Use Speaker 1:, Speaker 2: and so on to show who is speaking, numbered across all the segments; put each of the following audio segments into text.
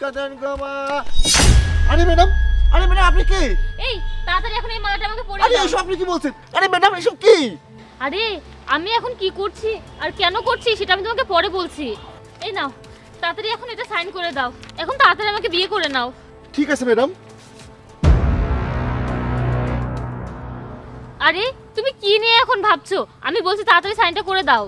Speaker 1: ভিক্ষা দেন গো মা। আরে ম্যাডাম, আরে ম্যাডাম আপনি কি?
Speaker 2: এই তাড়াতাড়ি এখন এই মালাটা আমাকে পরিয়ে
Speaker 1: আরে
Speaker 2: দাও।
Speaker 1: এসব আপনি কি বলছেন? আরে ম্যাডাম এসব কি?
Speaker 2: আরে আমি এখন কি করছি আর কেন করছি সেটা আমি তোমাকে পরে বলছি। এই নাও তাড়াতাড়ি এখন এটা সাইন করে দাও। এখন তাড়াতাড়ি আমাকে বিয়ে করে নাও।
Speaker 1: ঠিক আছে ম্যাডাম।
Speaker 2: আরে তুমি কি নিয়ে এখন ভাবছো? আমি বলছি তাড়াতাড়ি সাইনটা করে দাও।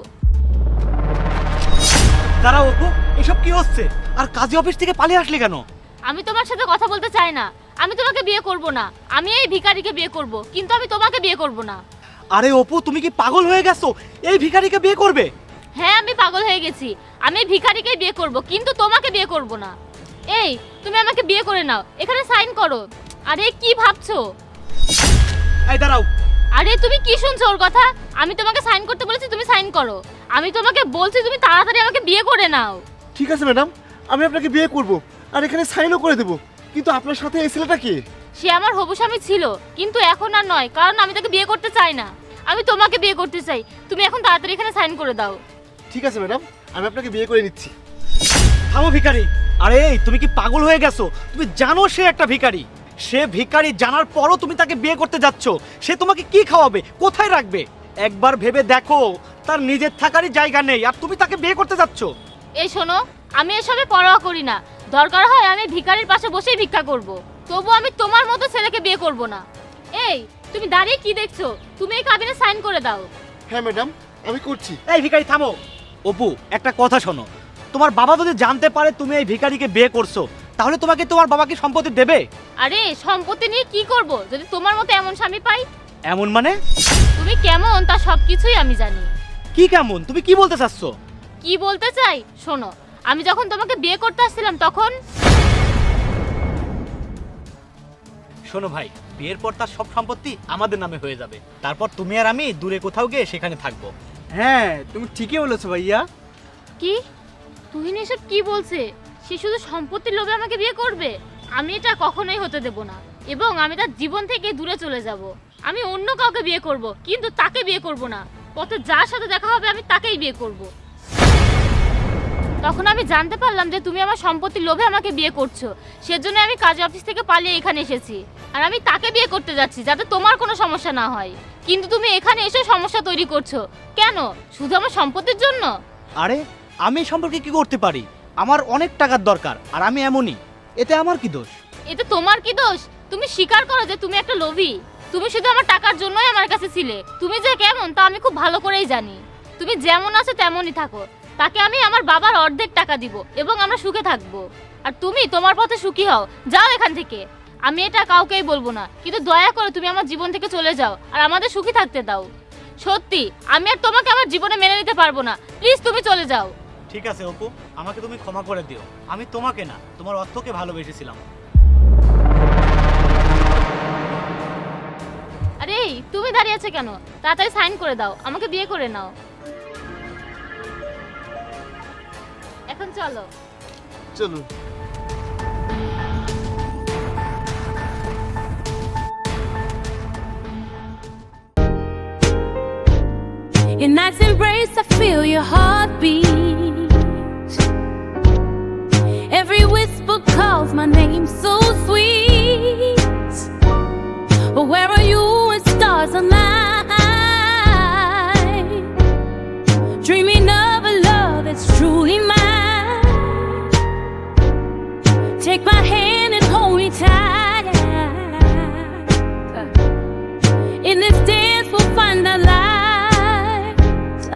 Speaker 3: দাঁড়াও অপু, এসব কি হচ্ছে? আর কাজী অফিস থেকে পালিয়ে আসলে কেন?
Speaker 2: আমি তোমার সাথে কথা বলতে চাই না। আমি তোমাকে বিয়ে করব না। আমি এই ভিখারিকে বিয়ে করব, কিন্তু আমি তোমাকে বিয়ে করব না।
Speaker 3: আরে অপু, তুমি কি পাগল হয়ে গেছো? এই ভিখারিকে বিয়ে করবে?
Speaker 2: হ্যাঁ আমি পাগল হয়ে গেছি। আমি এই ভিখারিকেই বিয়ে করব, কিন্তু তোমাকে বিয়ে করব না। এই তুমি আমাকে বিয়ে করে নাও, এখানে সাইন করো। আরে কি ভাবছো?
Speaker 3: এই দাঁড়াও।
Speaker 2: আরে তুমি কি শুনছো ওর কথা? আমি তোমাকে সাইন করতে বলেছি, তুমি সাইন করো। আমি তোমাকে বলছি তুমি তাড়াতাড়ি আমাকে বিয়ে করে নাও।
Speaker 1: ঠিক আছে ম্যাডাম, আমি আপনাকে বিয়ে করব আর এখানে সাইনও করে দেব। কিন্তু আপনার সাথে এই ছেলেটা কি?
Speaker 2: সে আমার হবু স্বামী ছিল, কিন্তু এখন আর নয়, কারণ আমি তাকে বিয়ে করতে চাই না। আমি তোমাকে বিয়ে করতে চাই। তুমি এখন তাড়াতাড়ি এখানে সাইন করে দাও।
Speaker 1: ঠিক আছে ম্যাডাম, আমি আপনাকে বিয়ে করে নিচ্ছি।
Speaker 3: থামো ভিখারি। আরে এই, তুমি কি পাগল হয়ে গেছো? তুমি জানো সে একটা ভিখারি। সে ভিখারি জানার পরও তুমি তাকে বিয়ে করতে যাচ্ছ। সে তোমাকে কি খাওয়াবে, কোথায় রাখবে? একবার ভেবে দেখো, তার নিজের থাকারই জায়গা নেই আর তুমি তাকে বিয়ে করতে যাচ্ছ।
Speaker 2: এই শোনো, আমি এসবে পরোয়া করি না। দরকার হয় আমি ভিখারির পাশে বসেই ভিক্ষা করব, তবু আমি তোমার মতো ছেলেকে বিয়ে করব না। এই তুমি দাঁড়িয়ে কি দেখছো? তুমি এই কাবিনে সাইন করে দাও।
Speaker 1: হ্যাঁ ম্যাডাম, আমি করছি।
Speaker 3: এই ভিখারি থামো। অপু, একটা কথা শোনো। তোমার বাবা যদি জানতে পারে তুমি এই ভিখারিকে বিয়ে করছো, তাহলে তোমাকে তোমার বাবাকে সম্পত্তি দেবে?
Speaker 2: আরে সম্পত্তি নিয়ে কি করব যদি তোমার মতো এমন স্বামী পাই?
Speaker 3: এমন মানে?
Speaker 2: তুমি কেমন তা সবকিছুই আমি জানি।
Speaker 3: কি কেমন? তুমি কি বলতে চাচ্ছ?
Speaker 2: কি বলতে চাই শোনো, আমি যখন তোমাকে বিয়ে করতে আসছিলাম তখন
Speaker 3: শোনো ভাই, বিয়ের পর তার সব সম্পত্তি আমাদের নামে হয়ে যাবে। তারপর তুমি আর আমি দূরে কোথাও গিয়ে সেখানে থাকবো।
Speaker 4: হ্যাঁ, তুমি ঠিকই বলেছো ভাইয়া।
Speaker 2: কি তুহিন এসব কি বলছে? সে শুধু সম্পত্তির লোভে আমাকে বিয়ে করবে? আমি এটা কখনোই হতে দেব না, এবং আমি তার জীবন থেকে দূরে চলে যাব। আমি অন্য কাউকে বিয়ে করব, কিন্তু তাকে বিয়ে করব না। পথে যার সাথে দেখা হবে আমি তাকেই বিয়ে করব। তখন আমি জানতে পারলাম যে তুমি আমার সম্পত্তির লোভে আমাকে বিয়ে করছো। সেজন্য আমি কাজী অফিস থেকে পালিয়ে এখানে এসেছি, আর আমি তাকে বিয়ে করতে যাচ্ছি যাতে তোমার কোনো সমস্যা না হয়। কিন্তু তুমি এখানে এসে সমস্যা তৈরি করছো কেন? শুধু আমার সম্পত্তির জন্য?
Speaker 3: আরে আমি এই সম্পর্কে কি করতে পারি? আমার অনেক টাকার দরকার, আর আমি এমনই। এতে আমার কি দোষ?
Speaker 2: এতে তোমার কি দোষ? তুমি স্বীকার করো যে তুমি একটা লোভী। তুমি শুধু আমার টাকার জন্যই আমার কাছে ছিলে। তুমি যে কেমন তা আমি খুব ভালো করেই জানি। তুমি যেমন আছো তেমনই থাকো। তাকে আমি আমার বাবার অর্ধেক টাকা দিব এবং আমরা সুখে থাকবো। আর তুমি তোমার পথে সুখী হও, যাও এখান থেকে। আমি এটা কাউকেই বলবো না, কিন্তু দয়া করে তুমি আমার জীবন থেকে চলে যাও আর আমাদের সুখী থাকতে দাও। সত্যি আমি আর তোমাকে আমার জীবনে মেনে নিতে পারবো না। প্লিজ তুমি চলে যাও।
Speaker 3: ঠিক আছে অপু, আমাকে তুমি ক্ষমা করে দিও। আমি তোমাকে না, তোমার অর্থকে ভালোবেসেছিলাম।
Speaker 2: আরে তুমি দাঁড়িয়ে আছো কেন? তাড়াতাড়ি সাইন করে দাও, আমাকে বিয়ে করে নাও। এখন চলো।
Speaker 1: চলুন।
Speaker 5: In night's embrace, I feel your heartbeat. Every whisper calls my name so sweet. But where are you when stars align? Dreaming of a love that's truly mine. Take my hand and